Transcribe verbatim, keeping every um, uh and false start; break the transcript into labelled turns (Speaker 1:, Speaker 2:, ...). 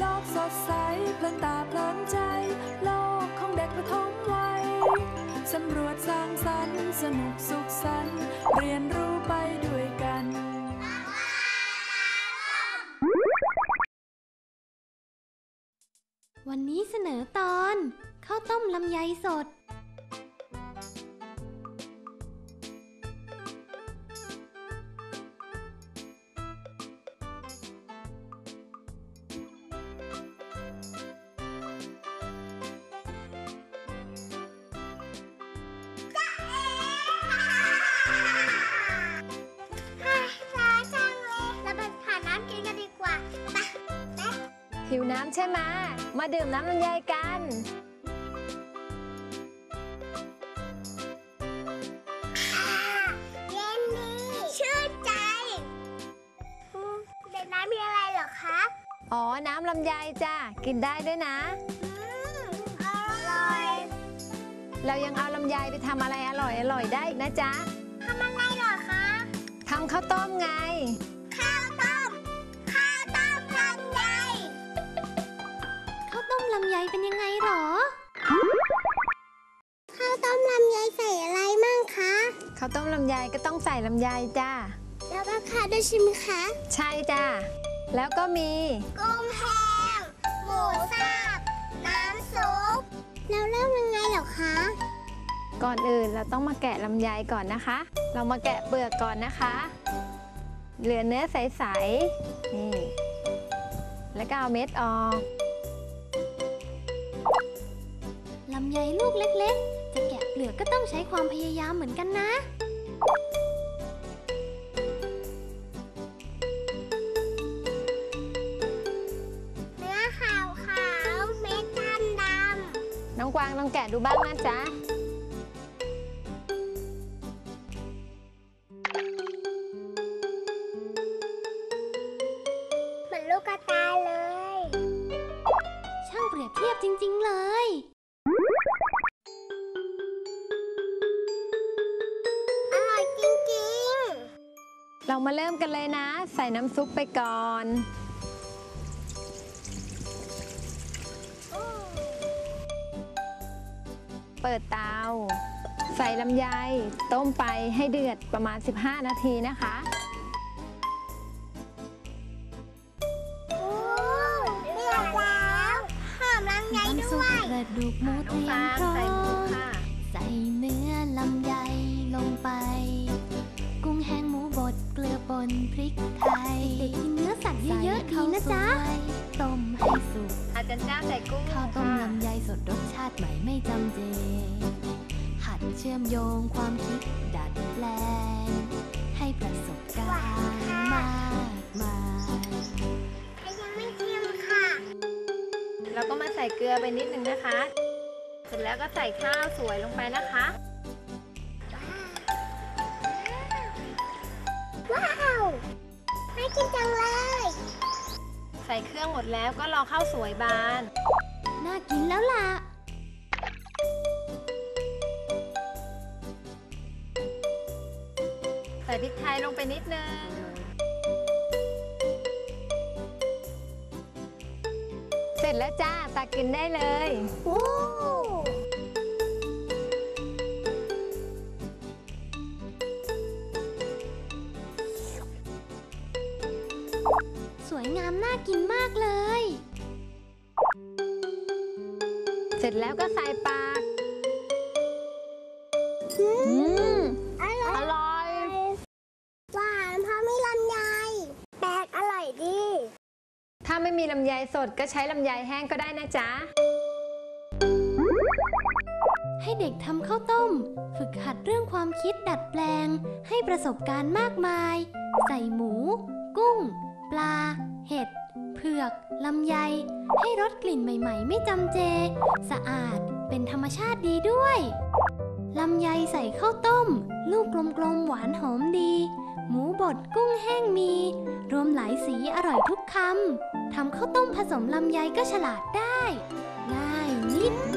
Speaker 1: โลกสดใสเพลินตาเพลินใจโลกของเด็กประถมวัยสำรวจสร้างสรรค์สนุกสุขสันต์เรียนรู้ไปด้วยกัน
Speaker 2: วันนี้เสนอตอนข้าวต้มลำไยสด
Speaker 3: หิวน้ำใช่ไหมมาดื่มน้ำลำไยกัน
Speaker 4: เย็นดีชื่นใจเด็กน้ำมีอะไรเหรอคะ
Speaker 3: อ๋อน้ำลำไยจ้ะกินได้ด้วยนะ
Speaker 4: อร่อย
Speaker 3: เรายังเอาลำไยไปทำอะไรอร่อยอร่อยได้อีกนะจ๊ะ
Speaker 4: ทำอะไรเหรอคะ
Speaker 3: ทำข้าวต้มไง
Speaker 4: ข้าวต้มข้าวต้มลำไย
Speaker 2: ข้าวต้มลำไยเป็นยังไงหรอ
Speaker 4: ข้าวต้มลำไยใส่อะไรมั่งคะ
Speaker 3: ข้าวต้มลำไยก็ต้องใส่ลำไยจ้า
Speaker 4: แล้วก็ข้าวด้วยใช่ไหมคะ
Speaker 3: ใช่จ้าแล้วก็มี
Speaker 4: กุ้งแห้งหมูสับน้ำซุปแล้วเริ่มยังไงเหรอคะ
Speaker 3: ก่อนอื่นเราต้องมาแกะลำไยก่อนนะคะเรามาแกะเปลือกก่อนนะคะเหลือเนื้อใสๆนี่แล้วก็เอาเม็ดออก
Speaker 2: ลำไยลูกเล็กๆจะแกะเปลือกก็ต้องใช้ความพยายามเหมือนกันนะ
Speaker 4: เนื้อขาวขาวเม็ดดำด
Speaker 3: ำน้องกวางลองแกะดูบ้างนะจ๊ะ
Speaker 4: เหมือนลูกกระตายเลย
Speaker 2: ช่างเปรียบเทียบจริงๆเลย
Speaker 4: อร่อยจริง
Speaker 3: ๆเรามาเริ่มกันเลยนะใส่น้ำซุปไปก่อนเปิดเตาใส่ลำไยต้มไปให้เดือดประมาณสิบห้านาทีนะคะ
Speaker 4: โอ้เดือดแล้วหอมลำไยด้วย
Speaker 2: กระดูกหมูเตรียมพร้อมใส่เนื้อลำไยลงไปกุ้งแห้งหมูบดเกลือป่นพริกไทยเด็กกินเนื้อสัตว์เยอะๆดีนะจ๊ะต้มให้สุก
Speaker 3: อาจารย์จ้าใส่กุ้ง
Speaker 2: ข้าวต้มลำไยสดรสชาติใหม่ไม่จำเจหัดเชื่อมโยงความคิดดัดแปลงให้ประสบการณ์มากมาย
Speaker 4: ยังไม่เค็มค่ะ
Speaker 3: เราก็มาใส่เกลือไปนิดนึงนะคะเสร็จแล้วก็ใส่ข้าวสวยลงไปนะคะ
Speaker 4: ว้าวน่ากินจังเลย
Speaker 3: ใส่เครื่องหมดแล้วก็รอข้าวสวยบาน
Speaker 2: น่ากินแล้วล่ะ
Speaker 3: ใส่พริกไทยลงไปนิดนึงเสร็จแล้วจ้าตักกินได้เลย
Speaker 4: โอ้
Speaker 2: สวยงามน่ากินมากเลย
Speaker 3: เสร็จแล้วก็ใส่ปาก
Speaker 4: อืมอร่อย
Speaker 3: อร่อย
Speaker 4: หวานเพราะมีลำไยแปลกอร่อยดี
Speaker 3: ถ้าไม่มีลำไยสดก็ใช้ลำไยแห้งก็ได้นะจ๊ะ
Speaker 2: ให้เด็กทำข้าวต้มฝึกหัดเรื่องความคิดดัดแปลงให้ประสบการณ์มากมายใส่หมูกุ้งปลาเห็ดเผือกลำไยให้รสกลิ่นใหม่ๆไม่จำเจสะอาดเป็นธรรมชาติดีด้วยลำไยใส่ข้าวต้มลูกกลมๆหวานหอมดีหมูบดกุ้งแห้งมีรวมหลายสีอร่อยทุกคำทำข้าวต้มผสมลำไยก็ฉลาดได้ง่ายนิด